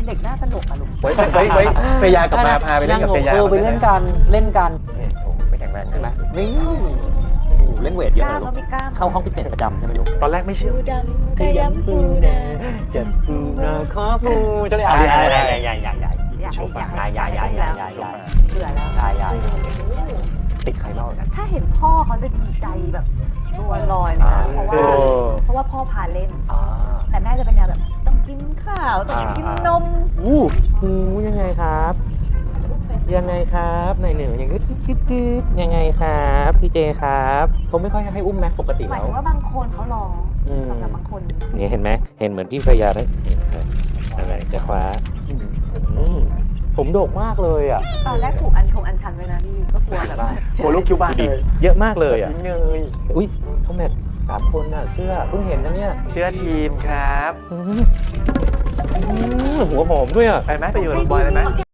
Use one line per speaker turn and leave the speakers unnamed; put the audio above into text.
เด็กหน้าตลกอะลูก
ไว้เฟยากลับมาพาไปเล่นกับเฟยา
ไปเล่นกันเล่นกัน
โอ้ไปแข่งแรง
ใช่ไหม
นะ
นี่เล่นเวทเย
ก
อะ
ล้าม
เลย
ก็
ลูก
มีกล้าม
เข้าห้องฟิตเนสประจำใช่ไหมลูก
ตอนแรกไม่เชื่อ
ปูดำขยำปูนา
จะปูนาขอปูจะได้ใหญ่โชว์ฟ้าใหญ่
เบื่อแล้ว
ใหญ่ติดใครเล่ากัน
ถ้าเห็นพ่อเขาจะดีใจแบบตัวลอยเลยนะเพราะว่าพ่อพาเล่น แต่แม่จะเป็นแนวแบบต้องกินข้าวต้องกินนม
ยังไงครับยังไงครับนายหนึ่งยังกึ๊ดยังไงครับพี่เจครับเขาไม่ค่อยให้อุ้มแม็กปกติ
หมาย
แล้ว
ถึงว่าบางคนเขาร้องสำหรับบางคน
นี่เห็นไหมเห็นเหมือนพี่พยาได้อะไรจะคว้าผมโดกมากเลยอ่ะ
ตอนแรกถูกอันชันไว้นะนี่ก็กลัวแบบว่า
โอ้ลูกคิวบ้านเลย
เยอะมากเลยอ่ะ
ยิงเงย
อุ้ยเขาแมท3 คนน่ะเสื้อเพิ่งเห็นนะเนี่ย
เชื่อทีมครับ
หัวหอมด้วยอ่ะ
ไปไหมไปอยู่โรงพยาบาลเลยไหม